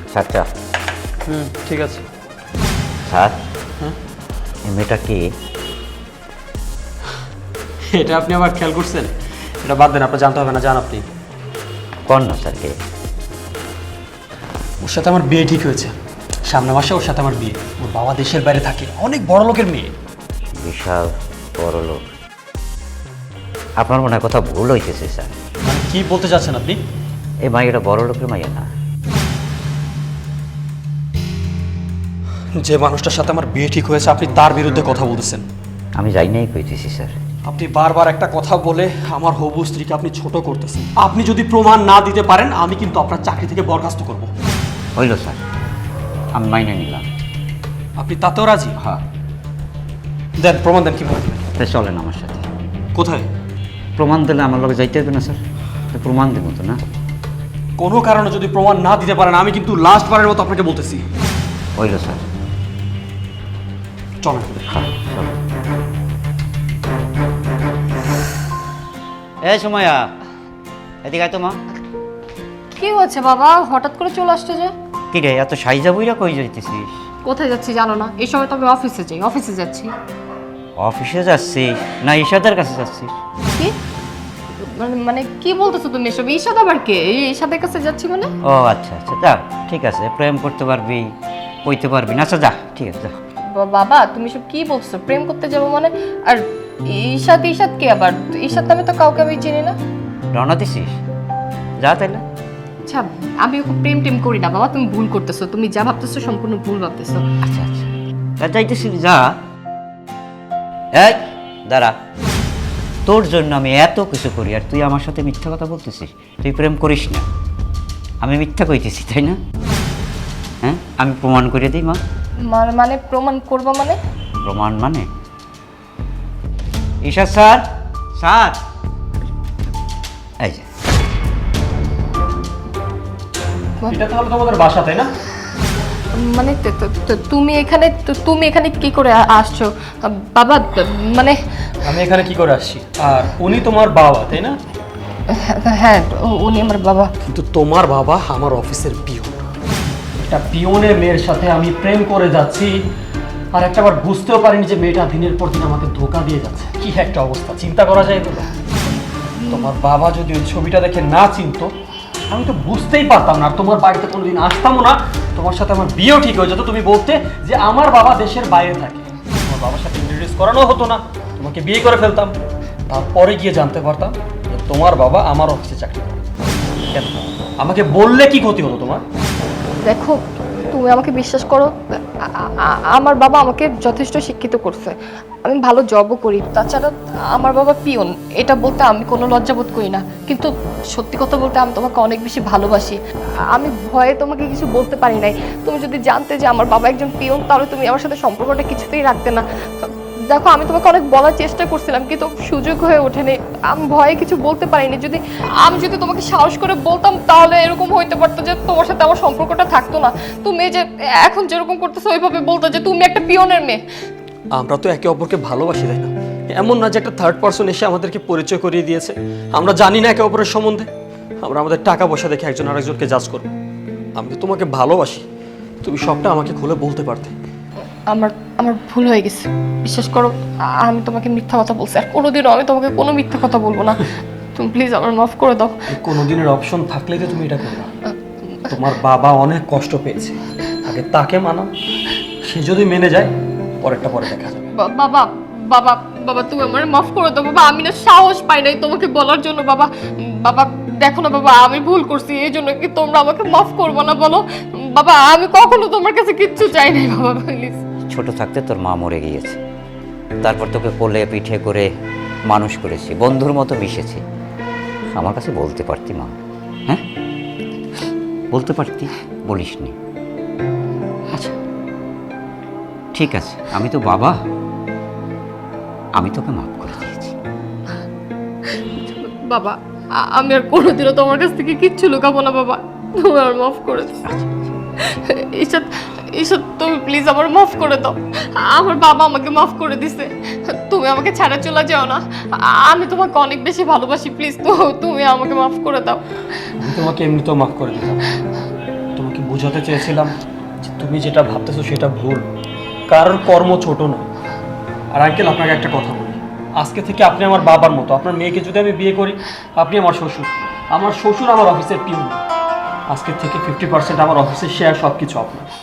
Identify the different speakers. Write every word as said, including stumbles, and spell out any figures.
Speaker 1: স্যারটা
Speaker 2: হুম ঠিক আছে।
Speaker 1: স্যার
Speaker 2: হ্যাঁ
Speaker 1: এই মেয়েটা কি?
Speaker 2: এটা আপনি আবার খেয়াল করছেন? এটা বাদ দেন, আপনার জানতে হবে না, জান আপনি।
Speaker 1: কোন না স্যার কে?
Speaker 2: ওর সাথে আমার বিয়ে ঠিক হয়েছে, সামনের মাসে ওর সাথে আমার বিয়ে। ওর বাবা দেশের বাইরে থাকে, অনেক বড় লোকের মেয়ে।
Speaker 1: বিশাল বড় লোক। আপনার মনে হয় কথা ভুল হইতেছে স্যার।
Speaker 2: মানে কি বলতে চাচ্ছেন আপনি?
Speaker 1: এই মাইয়াটা বড় লোকের মাইয়া না।
Speaker 2: যে মানুষটার সাথে আমার বিয়ে ঠিক হয়েছে আপনি তার বিরুদ্ধে কথা বলতেছেন?
Speaker 1: আমি যাই নাই কইতেছি স্যার।
Speaker 2: আপনি বারবার একটা কথা বলে আমার হবু স্ত্রীকে আপনি ছোট করতেছেন। আপনি যদি প্রমাণ না দিতে পারেন আমি কিন্তু আপনার চাকরি থেকে বরখাস্ত করব।
Speaker 1: হইল স্যার, আমি মাইনে নিলাম।
Speaker 2: আপনি তাতেও রাজি?
Speaker 1: হ্যাঁ।
Speaker 2: দেন প্রমাণ দেন, কিভাবে দেবেন?
Speaker 1: তাই চলেন আমার সাথে।
Speaker 2: কোথায়?
Speaker 1: প্রমাণ দিলে আমার লোকে যাইতে হবে না স্যার? তো প্রমাণ দেব তো না?
Speaker 2: কোনো কারণে যদি প্রমাণ না দিতে পারেন আমি কিন্তু লাস্ট বারের মতো আপনাকে বলতেছি।
Speaker 1: হইল স্যার।
Speaker 2: চলেন।
Speaker 1: হ্যাঁ চলেন। এই সময়য়া এদিকে আয় তো মা।
Speaker 3: কি হয়েছে বাবা, হঠাৎ করে চলে আসছে যে?
Speaker 1: কি রে এত সাইজা বইরা কই যাইতেছিস?
Speaker 3: কোথায় যাচ্ছি জানো না? এই সময় তো আমি অফিসে যাই, অফিসে যাচ্ছি।
Speaker 1: অফিসে যাচ্ছিস না ঈশাদের কাছে যাচ্ছিস?
Speaker 3: কি মানে মানে কি বলতেছো তুমি এসব? ঈশাদ আবার কে? এই ঈশাদের কাছে যাচ্ছি মানে?
Speaker 1: ও আচ্ছা আচ্ছা, যা ঠিক আছে, প্রেম করতে পারবি, কইতে পারবি না। আচ্ছা যা, ঠিক আছে যা।
Speaker 3: বা- বাবা তুমি সব কি বলছো? প্রেম করতে যাবো মানে? আর ঈশাদ ঈশাদ কে আবার? ঈশাদ নামে তো কাউকে আমি চিনি না।
Speaker 1: রওনা দিছিস? যা তাইলে।
Speaker 3: আচ্ছা আমি ওকে প্রেম টেম করি না বাবা, তুমি ভুল করতেছো। তুমি যা ভাবতেছো সম্পূর্ণ ভুল ভাবতেছো।
Speaker 1: আচ্ছা আচ্ছা, তা যাইতেছিস যা। এই দাঁড়া, তোর জন্য আমি এত কিছু করি আর তুই আমার সাথে মিথ্যা কথা বলতেছিস? তুই প্রেম করিস না, আমি মিথ্যা কইতেছি তাই না? হ্যাঁ আমি প্রমাণ করে দিই মা।
Speaker 3: মানে মানে প্রমাণ করবো মানে?
Speaker 1: প্রমাণ মানে ঈশা স্যার, স্যার এই যে।
Speaker 2: এটা তাহলে তোমাদের বাসা তাই না?
Speaker 3: মানে তো- তো- তো- তুমি এখানে তো- তুমি এখানে কি করে আ- আসছো বাবা? মানে
Speaker 2: আমি এখানে কি করে আসছি? আর উনি তোমার বাবা তাই না?
Speaker 3: হ্যাঁ উ- উনি আমার বাবা।
Speaker 2: কিন্তু তোমার বাবা আমার অফিসের পিয়ন। একটা পিয়নের মেয়ের সাথে আমি প্রেম করে যাচ্ছি আর একটা বার বুঝতেও পারিনি যে মেয়েটা দিনের পর দিন আমাকে ধোকা দিয়ে যাচ্ছে। কি একটা অবস্থা, চিন্তা করা যায় এগুলো? তোমার বাবা যদি ওই ছবিটা দেখে না চিনতো আমি তো বুঝতেই পারতাম না, আর তোমার বাড়িতে কোনোদিন আসতামও না। তোমার সাথে আমার বিয়েও ঠিক হয়ে যেত, তুমি বলতে যে আমার বাবা দেশের বাইরে থাকে। তোমার বাবার সাথে ইন্ট্রোডিউস করানো হতো না, তোমাকে বিয়ে করে ফেলতাম। তারপরে গিয়ে জানতে পারতাম যে তোমার বাবা আমার অফিসে চাকরি করে। কেন? আমাকে বললে কি ক্ষতি হতো তোমার?
Speaker 3: দেখো তুমি আমাকে বিশ্বাস করো, আ- আ- আমার বাবা আমাকে যথেষ্ট শিক্ষিত করছে, আমি ভালো জবও করি। তাছাড়া আমার বাবা পিয়ন, এটা বলতে আমি কোনো লজ্জাবোধ করি না। কিন্তু সত্যি কথা বলতে আমি তোমাকে অনেক বেশি ভালোবাসি। আমি ভয়ে তোমাকে কিছু বলতে পারি নাই। তুমি যদি জানতে যে আমার বাবা একজন পিয়ন তাহলে তুমি আমার সাথে সম্পর্কটা কিছুতেই রাখতে না। দেখো আমি তোমাকে অনেক বলার চেষ্টা করছিলাম কিন্তু সুযোগ হয়ে ওঠেনি, আমি ভয়ে কিছু বলতে পারিনি। যদি আমি যদি তোমাকে সাহস করে বলতাম তাহলে এরকম হইতে পারতো যে তোমার সাথে আমার সম্পর্কটা থাকতো না। তুমি যে এখন যেরকম করতেছো ওইভাবে বলতো যে তুমি একটা পিয়নের মেয়ে।
Speaker 2: আমরা তো একে অপরকে ভালোবাসি তাই না? এমন না যে একটা থার্ড পার্সন এসে আমাদেরকে পরিচয় করিয়ে দিয়েছে। আমরা জানি না একে অপরের সম্বন্ধে, আমরা আমাদের টাকা পয়সা দেখে একজন আরেকজনকে জাজ করবো। আমি তো তোমাকে ভালোবাসি, তুমি সবটা আমাকে খুলে বলতে পারতে।
Speaker 3: আমার আমার ভুল হয়ে গেছে, বিশ্বাস করো। আ- আমি তোমাকে মিথ্যা কথা বলছি, আর কোনোদিনও আমি তোমাকে কোনো মিথ্যা কথা বলবো না। তুমি প্লিজ আমার মাফ করে দাও।
Speaker 2: কোনোদিনের অপশন থাকলেই তো তুমি এটা করবে। তোমার বাবা অনেক কষ্ট পেয়েছে, আগে তাকে মানাও, সে যদি মেনে যায় পরেরটা পরে দেখা যাবে।
Speaker 3: বা- বাবা বাবা বাবা তুমি আমার মাফ করে দাও বাবা, আমি না সাহস পাই নাই তোমাকে বলার জন্য। বাবা বাবা দেখো না বাবা, আমি ভুল করছি, এই জন্য কি তোমরা আমাকে মাফ করবো না বলো? বাবা আমি কখনো তোমার কাছে কিচ্ছু চাই নাই বাবা, প্লিজ।
Speaker 1: ছোট থাকতে তোর মা মরে গিয়েছে, তারপর তোকে কোলে পিঠে করে মানুষ করেছি, বন্ধুর মতো মিশেছি। আমার কাছে বলতে পারতি মা, হ্যাঁ বলতে পারতি, বলিসনি। আচ্ছা ঠিক আছে, আমি তো বাবা, আমি তোকে মাফ করে দিয়েছি।
Speaker 3: বাবা আ- আমি আর কোনোদিনও তোমার কাছ থেকে কিচ্ছু লুকাবো না বাবা, তুমি আমার মাফ করে দাও। ঈশাদ ঈশাদ তুমি প্লিজ আমার মাফ করে দাও। আমার বাবা আমাকে মাফ করে দিছে, তুমি আমাকে ছাড়া চলে যাও না। আমি তোমাকে অনেক বেশি ভালোবাসি, প্লিজ তো তুমি আমাকে মাফ করে দাও।
Speaker 2: আমি তোমাকে এমনিতেও মাফ করে দিতাম, তোমাকে বুঝে বোঝাতে চেয়েছিলাম যে তুমি যেটা ভাবতেছো সেটা ভুল, কারোর কর্ম ছোট নয়। আর আঙ্কেল, আপনাকে একটা কথা বলি, আজকে থেকে আপনি আমার বাবার মতো। আপনার মেয়েকে যদি আমি বিয়ে করি, আপনি আমার শ্বশুর, আমার শ্বশুর আমার অফিসের পিউন। আজকের থেকে ফিফটি পার্সেন্ট আমার অফিসের শেয়ার, সব কিছু আপনার।